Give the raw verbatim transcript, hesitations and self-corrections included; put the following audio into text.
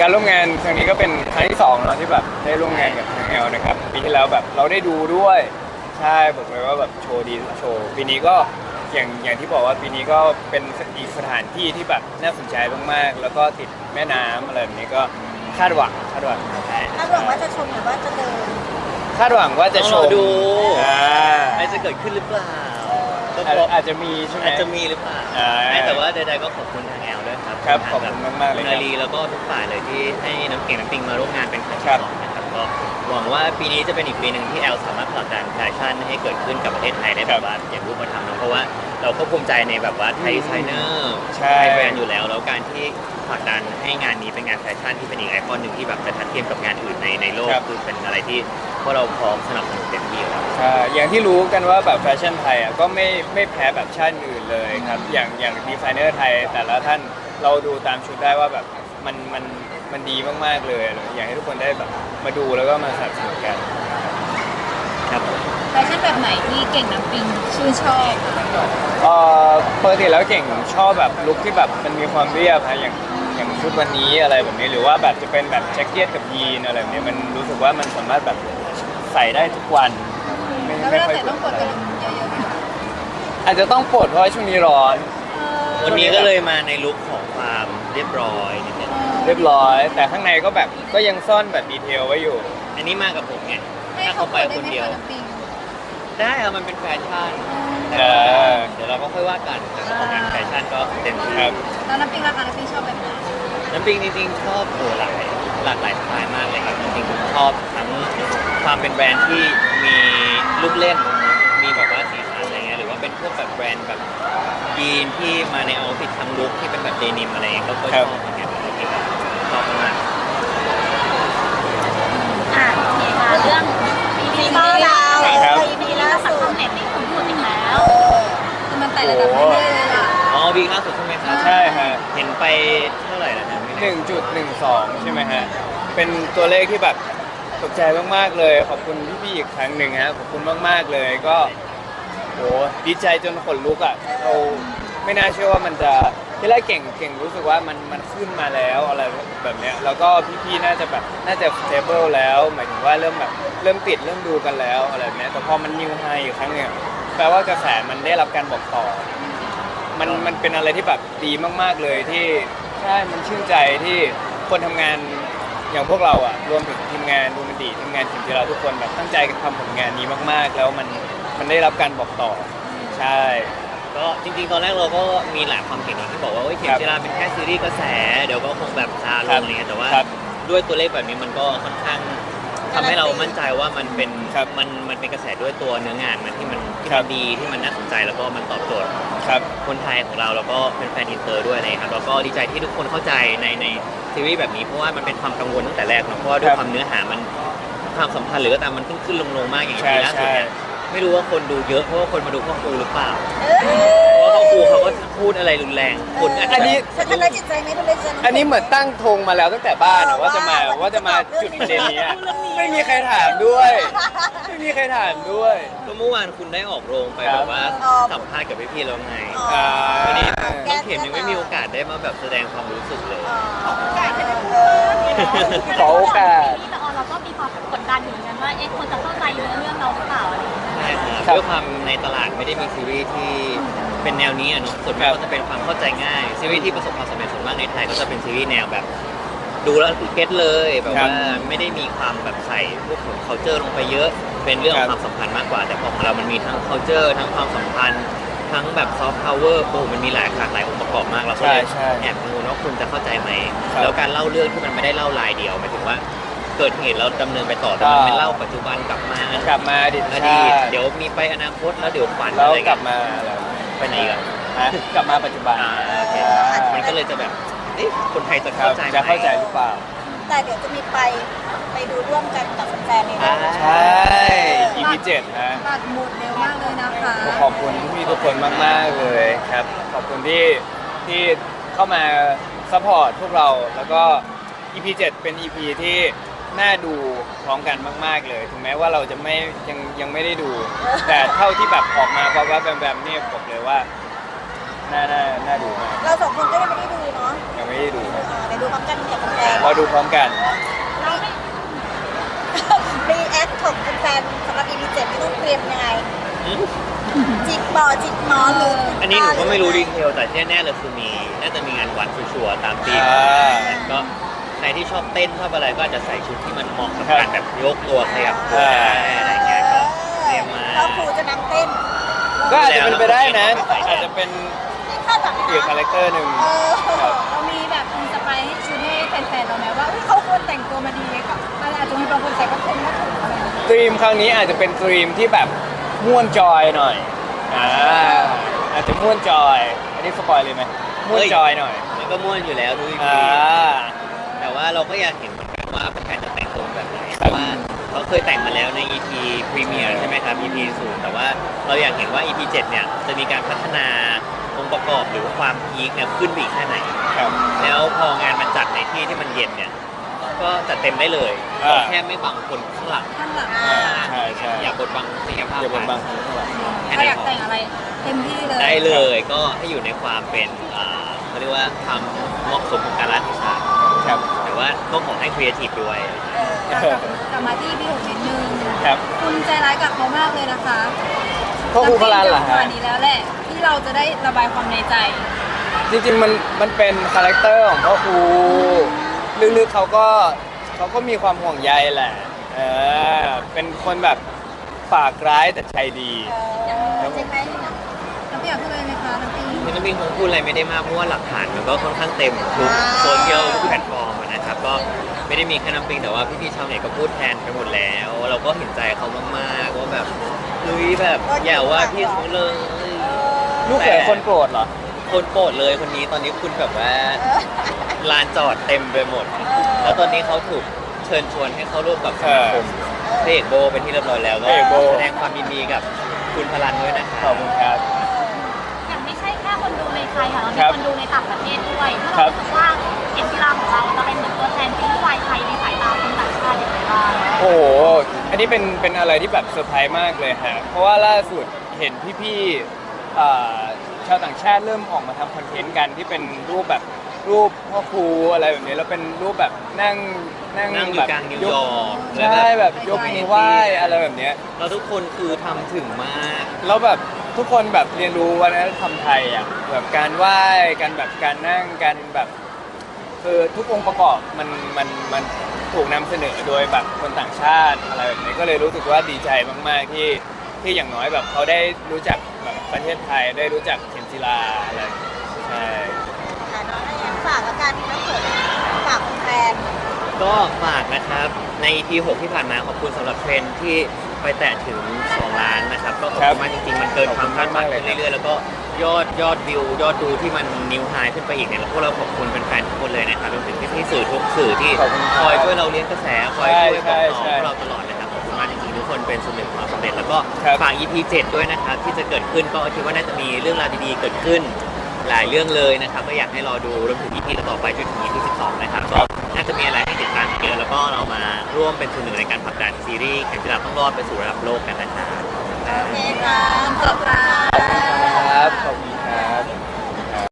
ร่วมงานครั้งนี้ก็เป็นครั้งที่สองเนาะที่แบบได้ร่วมงานกับทางแอลนะครับปีที่แล้วแบบเราได้ดูด้วยใช่บอกเลยว่าแบบโชว์ดีทุกโชว์ปีนี้ก็อย่างอย่างที่บอกว่าปีนี้ก็เป็นอีกสถานที่ที่แบบน่าสนใจมากๆแล้วก็ติดแม่น้ำอะไรแบบนี้ก็คาดหวังคาดหวังคาดหวังว่าจะชมหรือว่าจะเดินคาดหวังว่าจะชมดูอ่าอะไรจะเกิดขึ้นหรือเปล่าก็อาจบอกอาจจะมีใช่ไหมอาจจะมีหรือเปล่าอ่าไม่แต่ว่าใดๆก็ขอบคุณทางแอลด้วยครับครับทงขอบคุณมากๆเลยคุณครับนาลีแล้วก็ทุกฝ่ายเลยที่ให้น้ำเก่งน้ำปิงมาร่วมงานเป็นครั้งที่ครับสองนะครับก็หวังว่าปีนี้จะเป็นอีกปีหนึ่งที่แอลสามารถผลักดันแฟชั่นให้เกิดขึ้นกับประเทศไทยได้แบบว่าอย่างรูปธรรมนะเพราะว่าเราก็ภูมิใจในแบบว่าไทยดีไซเนอร์ใช่ไทยแบรนด์อยู่แล้วแล้วการที่ผลักดันให้งานนี้เป็นงานแฟชั่นที่เป็นอีกไอคอนหนึ่งที่แบบจะทัดเทียมกับงานอื่นในในโลกคือเป็นอะไรที่พวกเราพร้อมสนับสนุนเต็มที่แล้วใช่อย่างที่รู้กันว่าแบบแฟชั่นไทยอ่ะก็ไม่ไม่แพ้แบบชาติอื่นเลยครับ อย่างอย่างดีไซเนอร์ไทยแต่ละท่านเราดูตามชุดได้ว่าแบบมันมันมันดีมากๆเลย อยากให้ทุกคนได้แบบมาดูแล้วก็มาสนับสนุนกันครับผมแฟชั่นแบบไหนที่เก่งน้ำปิงชื่นชอบเอ่อปกติแล้วเก่งชอบแบบลุคที่แบบมันมีความเรียบฮะอย่างอย่างชุดวันนี้อะไรแบบนี้หรือว่าแบบจะเป็นแบบแจ็คเก็ตกับยีนอะไรแบบนี้มันรู้สึกว่ามันสามารถแบบใส่ได้ทุกวันไม่แล้วเวไม่ลาค่อยใส่ต้องกดกระดุมเยอะๆไหมคะอาจจะต้องปลดเพราะว่าช่วงนี้ร้อนวันนี้ก็เลยมาในลุคของความเรียบร้อยนิดนึงเรียบร้อย แต่ข้างในก็แบบก็ยังซ่อนแบบดีเทลไว้อยู่อันนี้มากับผมไงให้ถ้าเขาเขากไปดได้คนไหมเดียวคะน้ำปิงได้ครับมันเป็นแฟชั่นเออเดี๋ยวเราก็ค่อยว่ากันแต่ของงานแฟชั่นก็เต็มที่ครับแล้วน้ำปิงราคาน้ำปิงชอบแบบไหนน้ำปิงจริงๆชอบโอ้หลากหลายหลากหลายสไตล์มากเลยครับจริงๆผมชอบทั้งความเป็นแบรนด์ที่มีลูกเล่น มีแบบว่าสีสันอะไรเงี้ยหรือว่าเป็นพวกแบบแบรนด์แบบยีนที่มาในเอาท์ฟิตทั้งลุคที่เป็นแบบเดนิมอะไรเงี้ยก็ก็ชอบเหมือนกันจริงๆชอบมากอ่ะโอเคค่ะเรื่องปีนี้บ้านเราครับปีนี้แล้วสังคมเน็ตนี่คุณพูดอีกแล้วคือมันแต่ระดับเรื่อยๆเลยล่ะอ๋อวีคล่าสุดใช่ไหมครับใช่ฮะเห็นไปเท่าไหร่แล้วนะไม่หแน่นึ่งจุดหนึ่งสองใช่ไหมฮะ เป็นตัวเลขที่แบบตกใจมากๆเลย ขอบคุณพี่ๆอีกครั้งหนึ่งฮะ ขอบคุณมากๆเลย ก็โหดีใจจนขนลุกอ่ะ เราไม่น่าเชื่อว่ามันจะที่แรกเก่งเก่งรู้สึกว่ามันมันขึ้นมาแล้วอะไรแบบเนี้ย แล้วก็พี่ๆน่าจะแบบน่าจะ stable แล้ว หมายถึงว่าเริ่มแบบเริ่มติดเริ่มดูกันแล้วอะไรแบบเนี้ยแต่พอมันนิวไฮอีกครั้งเนี่ยแปลว่ากระแสมันได้รับการบอกต่อ มันมันเป็นอะไรที่แบบดีมากๆเลยที่ใช่มันชื่นใจที่คนทำงานอย่างพวกเราอ่ะรวมถึงทีมงานดูมันดีทีมงานทีมที่เราทุกคนแบบตั้งใจกันทำผลงานนี้มากๆ แล้วมันมันได้รับการบอกต่อ ใช่ก็จริงๆ ตอนแรกเราก็มีหลายความเห็นอย่างที่บอกว่าเฮ้ยเข็มครับจีราเป็นแค่ซีรีส์กระแส เดี๋ยวก็คงแบบซาลครังบอะไรเงี้ยแต่ว่าครับด้วยตัวเลขแบบนี้มันก็ค่อนข้างทำให้เรามั่นใจว่ามันเป็นครับมันมันเป็นกระแสด้วยตัวเนื้องานมันที่มันที่ครัมันบดีที่มันน่าสนใจแล้วก็มันตอบโจทย์ครับคนไทยของเราแล้วก็เป็นแฟนอินเตอร์ด้วยอะไรครับแล้วก็ดีใจที่ทุกคนเข้าใจในในซีรีส์แบบนี้เพราะว่ามันเป็นความกังวลตั้งแต่แรกเนอะเพราะว่าด้วยความเนื้อหามันความสัมพันธ์หรือก็ตามมันขึ้นขึ้นลงลงมากอย่างใช่ที่ล่าสุดเนี่ยใช่ไม่รู้ว่าคนดูเยอะเพราะว่าคนมาดูพ่อครูหรือเปล่าเพราะว่าพ่อครูเขาก็พูดอะไรรุนแรงคนอาจจะอันนี้ฉันทำร้ายจิตใจไหมทำร้ายจิตใจอันนี้เหมือนตั้งธงมาแล้วตั้งแต่บ้านอะว่าจะมาว่าจะมาจุดประเด็นนี้อะไม่มีใครถามด้วย ไม่มีใครถามด้วยก็เมื่อวานคุณได้ออกโรงไปครัแบบ บว่าสัมภาษณ์กับพี่ๆแล้วไงอ่าวันนี้น้องเข็มยังไม่มีโอกาสได้มาแบบแสดงความรู้สึกเลยขอโอกาสแต่ออนเราก็มีความกดดันอยู่เหมือนกันว่าเอ๊ะคนจะเข้าใจเนื้อเรื่องเราหรือเปล่าอะไรอย่างเงี้ยใช่ครับครับด้วยความในตลาดไม่ได้มีซีรีส์ที่เป็นแนวนี้อะเนาะส่วนมาครักบก็จะเป็นความเข้าใจง่ายซีรีส์ที่ประสบความสำเร็จส่วนมากในไทยก็จะเป็นซีรีส์แนวแบบ ดูแล้วเก็ตเลยแบบครับว่าไม่ได้มีความแบบใส่พวกของ culture ลงไปเยอะ เป็นเรื่องของครับความสัมพันธ์มากกว่า แต่พอของเรามันมีทั้ง culture ทั้งความสัมพันธ์ ทั้งแบบ soft power โอ้โหมันมีหลายหลากหลายองค์ประกอบมากเราก็เลยใช่ใช่แอบกังวลว่าคุณจะเข้าใจไหมครับแล้วการเล่าเรื่องที่มันไม่ได้เล่ารายเดียวหมายถึงว่า เกิดเหตุแล้วดำเนินไปต่อแต่มันอ่าเป็นเล่าปัจจุบันกลับมากลับมาอดีตอชาดีตติเดี๋ยวมีไปอนาคตแล้วเดี๋ยวฝันแล้วอะไรกลัเงี้บยมาอะไรไปไหนกันฮะกลับมาปัจจุบันอ่าโอเคใช่มันก็เลยจะแบบเอ๊ะคนไทยจะครัเข้าบใจไหมจะเข้าใจหรือเปล่าแต่เดี๋ยวจะมีไปไปดูร่วมกันกับแฟนๆในอ่านั้นใช่ อี พี เจ็ดฮะบัตรหมดเร็วมากเลยนะคะขอบคุณพี่ทุกคนมากๆเลยครับ ขอบคุณที่ที่เข้ามาซัพพอร์ตพวกเรา แล้วก็ อี พี เจ็ด เป็น อี พี ที่น่าดูพร้อมกันมาก ๆเลย ถึงแม้ว่าเราจะไม่ยังยังไม่ได้ดู แต่เท่าที่แบบออกมาเพราะว่าแบมๆเนี่ยบอกเลยว่าน่าน่าน่าดูมากเราสองคนก็ยังไม่ได้ดูเนาะยังไม่ได้ดูครับเออในดูพร้อมกันกับแฟนเราดูพร้อมกันรีแอคของแฟนสำหรับ อี พี เจ็ดที่ต้องเตรียมยังไงจิกบอจิกหมอนหรืออัอันนี้หนูก็ไม่รู้ดีเทลแต่ที่แน่ๆเลยคือมีน่าจะมีงานวัดชัวร์ๆตามธีมอ่าก็ใครที่ชอบเต้นชอบอะไรก็อาจจะใส่ชุดที่มันเหมาะกับการแบบยกตัวขยับตัวได้อะไรเงี้ยก็เตรียมมาก็ครูจะนั่งเต้นก็อาจจะเป็นไปได้นะ อาจจะเป็นที่คาดหวังอีกคาแรคเตอร์หนึ่งเออครับเรามีแบบอินสไปร์ให้ชุดให้แฟนๆเราไหมว่าเฮ้ยเขาควรแต่งตัวมาดีกับมันอาจจะมีบางคนใส่ก็คงก็ถูกอะไรอย่างเงี้ยตรีมครั้งนี้อาจจะเป็นตรีมที่แบบม่วนจอยหน่อยอ่าอาจจะม่วนจอย อันนี้สปอยเลยไหมม่วนจอยหน่อยมันก็ม่วนอยู่แล้วทุกทีอ่าแต่ว่าเราก็อยากเห็นเหมือนกันว่าแฟนจะแต่งตัวแบบไหนเพราะว่าเขาเคยแต่งมาแล้วใน อี พี พรีเมียร์ใช่ไหมครับ อี พี ศูนย์แต่ว่าเราอยากเห็นว่า อี พี เจ็ดเนี่ยจะมีการพัฒนาองค์ประกอบหรือว่าความพีคเนี่ยขึ้นไปอีกแค่ไหนครับแล้วพองานมันจัดในที่ที่มันเย็นเนี่ยก็จัดเต็มได้เลยอ่าขอแค่ไม่บังคนข้างหลังข้างหลังอ่าใช่ใช่อย่าบดบังศักยภาพอย่าบนบางคนข้างหลังแค่เรานั้นอยากพอแต่งอะไรเต็มที่เลยได้เลยก็ให้อยู่ในความเป็นอ่าเขาเรียกว่าความเหมาะสมของการรัฐศาสตร์ครับแต่ว่าก็ขอให้ครีเอทีฟด้วยเออกลับกลับมาที่พี่หกนิดนึงครับคุณใจร้ายกับเขามากเลยนะคะพ่อครูพลานเหรอจังหฮะวะนี้แล้วแหละที่เราจะได้ระบายความในใจจริงๆมันมันเป็นคาแรคเตอร์ของพ่อครูลึกๆเขาก็เขาก็มีความห่วงใยแหละเออเป็นคนแบบปากร้ายแต่ใจดีเออจริงไหมน้ำเปรี้ยวพูดเลยไหมคะน้ำปิงคือน้ำปิงคงพูดอะไรไม่ได้มากเพราะว่าหลักฐานมันก็ค่อนข้างเต็มทุกโซเชียลทุกแพลตฟอร์มอะนะครับก็ไม่ได้มีแค่น้ำปิงแต่ว่าพี่ๆชาวเน็ตก็พูดแทนไปหมดแล้ว เราก็เห็นใจเขามากๆว่าแบบเฮ้ยแบบอย่าว่าพี่เขาเลยลูกเขยคนโปรดเหรอคนโปรดเลยคนนี้ตอนนี้คุณแบบว่าลานจอดเต็มไปหมด แล้วตอนนี้เขาถูกเชิญชวนให้เข้าร่วมกับสมาคมพระเอกโบเป็นที่เรียบร้อยแล้วก็พระเอกโบแสดงความยินดีกับคุณพลันด้วยนะคขรัอบบคุณครับอย่างไม่ใช่แค่คนดูในไทยค่ะเราครัมีบคนดูในต่างประเทศด้วยถ้าครัเราบรู้สึกว่าเข็มกีฬาของเราจะเป็นเหมือนตัวแทนซีรีส์วายไทยในสายตาคนต่างชาติอย่างไรบ้างโอ้โห อันนี้เป็นเป็นอะไรที่แบบเซอร์ไพรส์มากเลยฮะ เพราะว่าล่าสุดเห็นพี่ๆอ่าชาวต่างชาติเริ่มออกมาทำคอนเทนต์กันที่เป็นรูปแบบรูปพ่อครูอะไรแบบนี้แล้วเป็นรูปแบบนั่งนั่งนั่งอยู่แบบกลางนิวยอร์กใช่แบบยกมือไหว้อะไรแบบเนี้ยเราทุกคนคือทำถึงมากแล้วแบบทุกคนแบบเรียนรู้วัฒนธรรมไทยอ่ะแบบการไหว้การแบบการนั่งการแบบคือทุกองค์ประกอบมันมันมันถูกนำเสนอโดยแบบคนต่างชาติอะไรแบบนี้ก็เลยรู้สึกว่าดีใจมากๆที่ที่อย่างน้อยแบบเขาได้รู้จักแบบประเทศไทยได้รู้จักเข็มจีราอะไรอย่างเงี้ยใช่อ่ะน้องแอนฝากละกันนะเผื่อฝากแฟนก็ฝากนะครับใน อี พี หกที่ผ่านมาขอบคุณสำหรับเทรนด์ที่ไปแตะถึงสองล้านนะครับก็ขอบคุณมากจริงๆมันเกินความคาดหวังขึ้นเรื่อยๆแล้วก็ยอดยอดวิวยอดดูที่มันนิวไฮขึ้นไปอีกเนี่ยพวกเราขอบคุณแฟนๆทุกคนเลยนะครับรวมถึงพี่ๆสื่อทุกสื่อที่ขอบคุณครับคอยช่วยเราเลี้ยงกระแสคอยช่วยบอกใช่ต่อใช่พวกเราตลอดนะครับขอบคุณมากจริงๆทุกคนเป็นส่วนหนึ่งของความสำเร็จแล้วก็ครับฝาก อี พี เจ็ดด้วยนะครับที่จะเกิดขึ้นก็คิดว่าน่าจะมีเรื่องราวดีๆเกิดขึ้น หลายเรื่องเลยนะครับก็อยากให้รอดูรวมถึง อี พี ต่อไปจนถึง อี พี สิบสองนะครับก็น่าจะมีอะไรให้ติดตามเยอะแล้วก็เรามาร่วมเป็นส่วนหนึ่งในการผลักดันซีรีส์เข็มจีราต้องรอดไปสู่ระดับโลกกันนะครับโอเคค่ะขอบคุณค่ะครับขอบคุณ